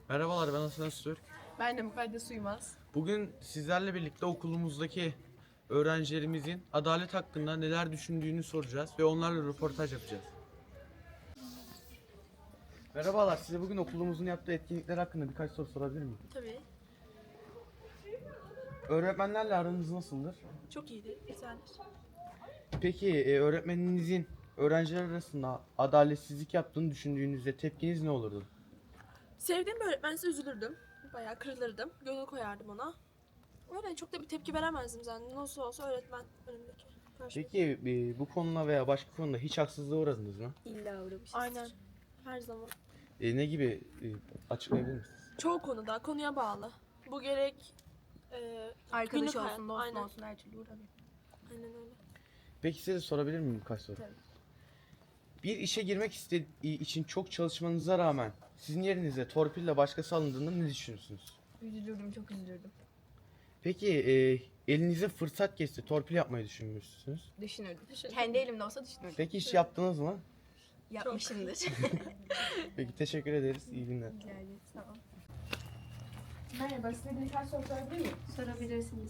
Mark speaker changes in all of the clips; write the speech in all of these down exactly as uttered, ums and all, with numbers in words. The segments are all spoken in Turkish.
Speaker 1: Merhabalar, ben Hasan Öztürk.
Speaker 2: Ben de Mukaddes Uymaz.
Speaker 1: Bugün sizlerle birlikte okulumuzdaki öğrencilerimizin adalet hakkında neler düşündüğünü soracağız ve onlarla röportaj yapacağız. Merhabalar, size bugün okulumuzun yaptığı etkinlikler hakkında birkaç soru sorabilir miyim?
Speaker 2: Tabii.
Speaker 1: Öğretmenlerle aranız nasıldır?
Speaker 2: Çok iyidir, güzeldir.
Speaker 1: Peki e, öğretmeninizin öğrenciler arasında adaletsizlik yaptığını düşündüğünüzde tepkiniz ne olurdu?
Speaker 2: Sevdiğim bir öğretmense üzülürdüm. Bayağı kırılırdım. Gönül koyardım ona. Öyle çok da bir tepki veremezdim zaten. Nasıl olsa öğretmen önümdeki. karşımdaki.
Speaker 1: Peki e, bu konuda veya başka konuda hiç haksızlığa uğradınız mı?
Speaker 3: İlla uğramışız.
Speaker 2: Aynen. Her zaman.
Speaker 1: E, ne gibi e, açıklayabilir misiniz?
Speaker 2: Çoğu konuda konuya bağlı. Bu gerek e,
Speaker 3: Arkadaş
Speaker 2: günlük hayat,
Speaker 3: olsun, dost
Speaker 2: aynen.
Speaker 3: olsun her türlü uğramıyor.
Speaker 2: Aynen öyle.
Speaker 1: Peki size sorabilir miyim birkaç soru?
Speaker 3: Tabii.
Speaker 1: Bir işe girmek istediği için çok çalışmanıza rağmen sizin yerinize torpille başkası alındığında ne düşünürsünüz?
Speaker 3: Üzülürdüm, çok üzülürdüm.
Speaker 1: Peki e, elinize fırsat geçti, torpil yapmayı düşünmüşsünüz.
Speaker 3: Düşünürdüm.
Speaker 2: Teşekkür
Speaker 3: Kendi elimde olsa düşünürdüm.
Speaker 1: Peki hiç yaptınız mı?
Speaker 3: Yapmışımdır.
Speaker 1: Peki teşekkür ederiz. İyi günler.
Speaker 3: Rica ederim, sağ ol.
Speaker 4: Merhaba, size birkaç soru sorabilir miyim?
Speaker 3: Sorabilirsiniz.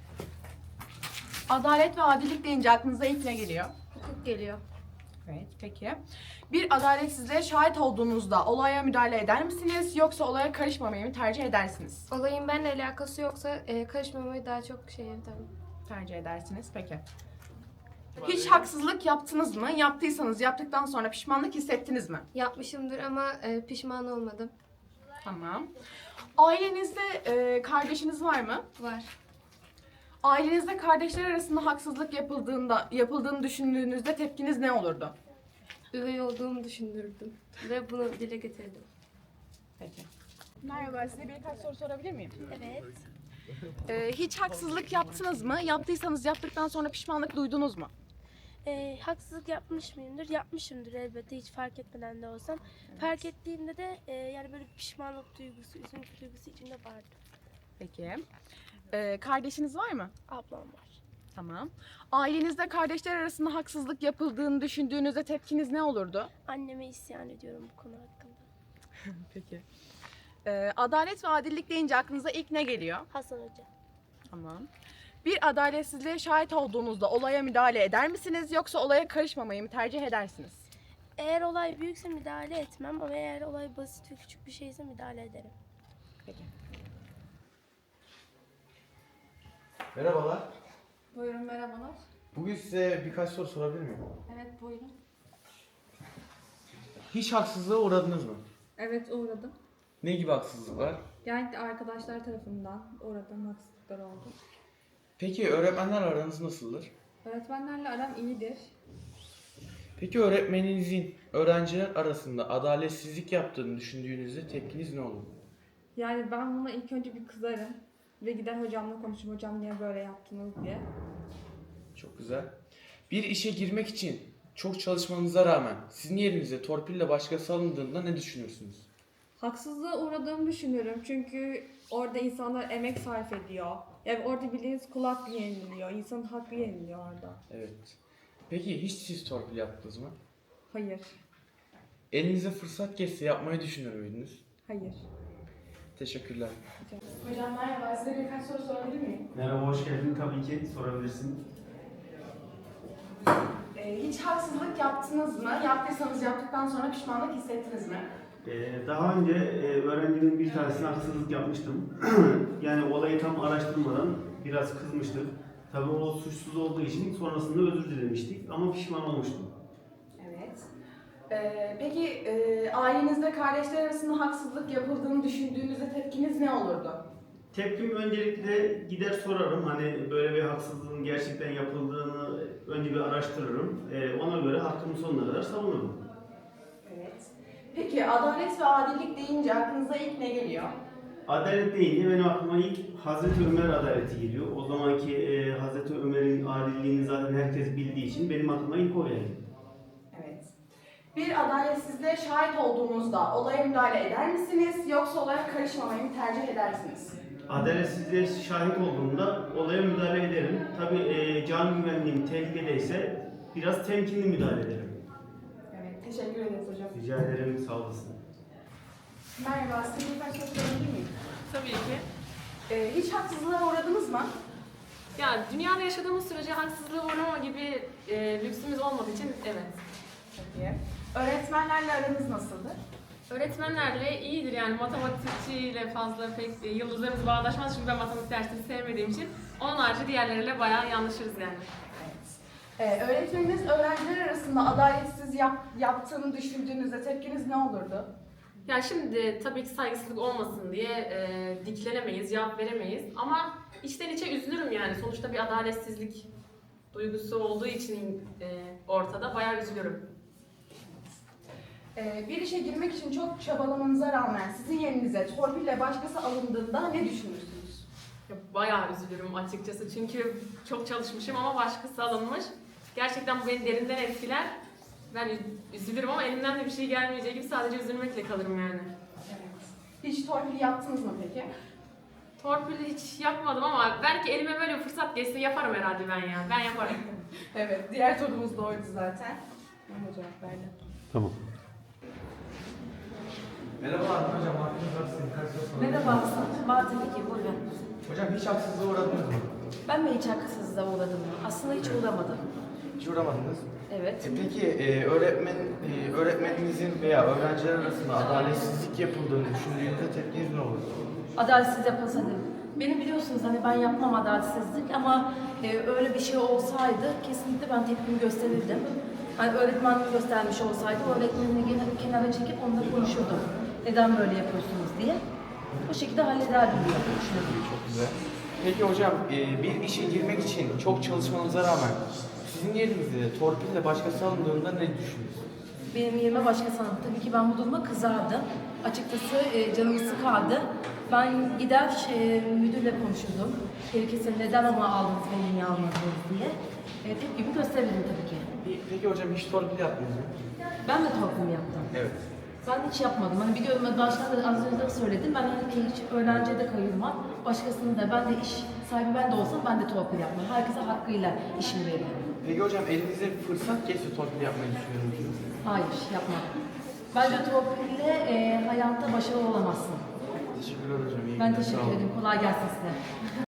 Speaker 4: Adalet ve adilik deyince aklınıza ilk ne geliyor?
Speaker 3: Hukuk geliyor.
Speaker 4: Evet, peki. Bir adaletsizliğe şahit olduğunuzda olaya müdahale eder misiniz yoksa olaya karışmamayı mı tercih edersiniz?
Speaker 5: Olayın benimle alakası yoksa e, karışmamayı daha çok şey tabii.
Speaker 4: Tercih edersiniz, peki. Hiç haksızlık yaptınız mı? Yaptıysanız yaptıktan sonra pişmanlık hissettiniz mi?
Speaker 5: Yapmışımdır ama e, pişman olmadım.
Speaker 4: Tamam. Ailenizde e, kardeşiniz var mı?
Speaker 5: Var.
Speaker 4: Ailenizde kardeşler arasında haksızlık yapıldığında yapıldığını düşündüğünüzde tepkiniz ne olurdu?
Speaker 5: Üvey olduğumu düşündürdüm ve bunu dile getirdim.
Speaker 4: Peki.
Speaker 6: Merhaba, size birkaç soru sorabilir miyim?
Speaker 3: Evet.
Speaker 4: Ee, hiç haksızlık yaptınız mı? Yaptıysanız yaptıktan sonra pişmanlık duydunuz mu?
Speaker 7: Ee, haksızlık yapmış mıyımdır? Yapmışımdır elbette, hiç fark etmeden de olsam. Fark ettiğimde de e, yani böyle bir pişmanlık duygusu, üzüntü duygusu içimde vardı.
Speaker 4: Peki. Ee, kardeşiniz var mı?
Speaker 7: Ablam var.
Speaker 4: Tamam. Ailenizde kardeşler arasında haksızlık yapıldığını düşündüğünüzde tepkiniz ne olurdu?
Speaker 7: Anneme isyan ediyorum bu konu hakkında.
Speaker 4: Peki. Ee, adalet ve adillik deyince aklınıza ilk ne geliyor?
Speaker 7: Hasan Hoca.
Speaker 4: Tamam. Bir adaletsizliğe şahit olduğunuzda olaya müdahale eder misiniz yoksa olaya karışmamayı mı tercih edersiniz?
Speaker 7: Eğer olay büyükse müdahale etmem ama eğer olay basit ve küçük bir şeyse müdahale ederim.
Speaker 4: Peki.
Speaker 1: Merhabalar.
Speaker 6: Buyurun, merhabalar.
Speaker 1: Bugün size birkaç soru sorabilir miyim?
Speaker 6: Evet, buyurun.
Speaker 1: Hiç haksızlığa uğradınız mı?
Speaker 6: Evet, uğradım.
Speaker 1: Ne gibi haksızlıklar?
Speaker 6: Genellikle arkadaşlar tarafından uğradığım haksızlıklar oldu.
Speaker 1: Peki öğretmenler aranız nasıldır?
Speaker 6: Öğretmenlerle aram iyidir.
Speaker 1: Peki öğretmeninizin öğrenciler arasında adaletsizlik yaptığını düşündüğünüzde tepkiniz ne olur?
Speaker 6: Yani ben buna ilk önce bir kızarım ve gider hocamla konuşurum. Hocam niye böyle yaptınız diye.
Speaker 1: Çok güzel. Bir işe girmek için çok çalışmanıza rağmen sizin yerinize torpille başkası alındığında ne düşünürsünüz?
Speaker 6: Haksızlığa uğradığımı düşünüyorum çünkü orada insanlar emek sarf ediyor. Yani orada bildiğiniz kul hakkı yeniliyor. İnsanın hakkı yeniliyor orada.
Speaker 1: Evet. Peki hiç siz torpil yaptınız mı?
Speaker 6: Hayır.
Speaker 1: Elinize fırsat geçse yapmayı düşünür müydünüz?
Speaker 6: Hayır.
Speaker 1: Teşekkürler.
Speaker 4: Hocam merhaba. Size birkaç soru sorabilir miyim?
Speaker 8: Merhaba, hoş geldin. Tabii ki sorabilirsin.
Speaker 4: Ee, hiç haksızlık yaptınız mı? Yaptıysanız yaptıktan sonra pişmanlık hissettiniz mi?
Speaker 8: Ee, daha önce e, öğrencimin bir tanesine haksızlık yapmıştım. Yani olayı tam araştırmadan biraz kızmıştık. Tabii o suçsuz olduğu için sonrasında özür dilemiştik ama pişman olmuştum.
Speaker 4: Evet. Ee, peki e, ailenizde kardeşler arasında haksızlık yapıldığını düşündüğünüzde tepkiniz ne olurdu?
Speaker 8: Tepkim öncelikle gider sorarım. Hani böyle bir haksızlığın gerçekten yapıldığını önce bir araştırırım. Ee, ona göre hakkımı sonuna kadar savunurum.
Speaker 4: Evet. Peki adalet ve adillik deyince aklınıza ilk ne geliyor?
Speaker 8: Adalet deyince benim aklıma ilk Hazreti Ömer adaleti geliyor. O zamanki e, Hazreti Ömer'in adilliğini zaten herkes bildiği için benim aklıma ilk o geldi.
Speaker 4: Evet. Bir adaletsizliğe şahit olduğunuzda olaya müdahale eder misiniz yoksa olaya karışmamayı mı tercih edersiniz?
Speaker 8: Adaletsizliğe şahit olduğumda olaya müdahale ederim. Tabii e, can güvenliğim tehlikedeyse biraz temkinli müdahale ederim.
Speaker 4: Evet, teşekkür ederiz hocam.
Speaker 8: Rica ederim, sağ olasın.
Speaker 4: Merhaba, size birkaç soru sorabilir miyim?
Speaker 9: Tabii ki.
Speaker 4: Ee, hiç haksızlığa uğradınız mı?
Speaker 9: Yani dünyada yaşadığımız sürece haksızlığa uğrama gibi e, lüksümüz olmadığı için evet.
Speaker 4: Peki. Öğretmenlerle aranız nasıldır?
Speaker 9: Öğretmenlerle iyidir yani matematikçiyle fazla pek e, yıldızlarımız bağdaşmaz çünkü ben matematik dersini sevmediğim için. Onun harici diğerleriyle bayağı yanlışırız yani.
Speaker 4: Ee, öğretmeniniz öğrenciler arasında adaletsiz yap, yaptığını düşündüğünüzde tepkiniz ne olurdu?
Speaker 9: Ya şimdi tabii ki saygısızlık olmasın diye e, diklenemeyiz, cevap veremeyiz ama içten içe üzülürüm yani. Sonuçta bir adaletsizlik duygusu olduğu için e, ortada bayağı üzülürüm.
Speaker 4: Ee, bir işe girmek için çok çabalamanıza rağmen sizin yerinize torpille başkası alındığında ne düşünürsünüz?
Speaker 9: Ya bayağı üzülürüm açıkçası çünkü çok çalışmışım ama başkası alınmış. Gerçekten bu beni derinden etkiler. Ben üzülürüm ama elimden de bir şey gelmeyeceği gibi sadece üzülmekle kalırım yani.
Speaker 4: Evet. Hiç torpil yaptınız mı peki?
Speaker 9: Torpil hiç yapmadım ama belki elime böyle bir fırsat geçse yaparım herhalde ben ya. Ben yaparım.
Speaker 4: Evet, diğer sorumuz da oydu zaten. Ben de cevap verdim.
Speaker 8: Tamam.
Speaker 1: Merhaba hocam, aklınız var sizin kaç soru sorabilir miyim?
Speaker 10: Merhaba Hasan. Var tabii ki, buyurun.
Speaker 1: Hocam hiç haksızlığa uğradınız mı?
Speaker 10: Ben mi hiç haksızlığa uğradım? Aslında hiç uğramadım.
Speaker 1: Hiç uğramadınız.
Speaker 10: Evet.
Speaker 1: E peki e, öğretmen e, öğretmeninizin veya öğrenciler arasında adaletsizlik yapıldığını düşündüğünüzde tepkiniz ne olur?
Speaker 10: Adaletsiz yapılsa değil. Benim biliyorsunuz hani ben yapmam adaletsizlik ama e, öyle bir şey olsaydı kesinlikle ben tepkimi gösterirdim. Hani öğretmenlik göstermiş olsaydı öğretmenini gene- kenara çekip onunla konuşurdum. Neden böyle yapıyorsunuz diye. Bu şekilde hallederdim diye düşünüyorum.
Speaker 1: Çok güzel. Peki hocam e, bir işe girmek için çok çalışmanıza rağmen sizin yerinizde torpille başkası alındığında ne düşünüyorsunuz?
Speaker 10: Benim yerime başkası aldı. Tabii ki ben bu duruma kızardım. Açıkçası e, canımı sıkardı. Ben gider e, müdürle konuşurdum. Gerekirse neden ama aldınız beni niye almadınız diye. E, tepkimi gösterirdim tabii ki.
Speaker 1: Peki, peki hocam hiç torpil yaptınız mı?
Speaker 10: Ben de torpil yaptım.
Speaker 1: Evet.
Speaker 10: Ben hiç yapmadım. Hani biliyorum başta da az önce de söyledim. Ben hani hiç öğrenciye de kayırmam. Başkasının da ben de iş sahibi ben de olsam ben de torpil yapmam. Herkese hakkıyla işimi veririm.
Speaker 1: Peki hocam elinize bir fırsat geçse torpil yapmayı düşünüyor musunuz?
Speaker 10: Hayır, yapmam. Bence torpille e, hayatta başarılı olamazsın.
Speaker 1: Teşekkürler hocam. İyi
Speaker 10: Ben
Speaker 1: günler, sağ
Speaker 10: teşekkür
Speaker 1: olun.
Speaker 10: ederim. Kolay gelsin size.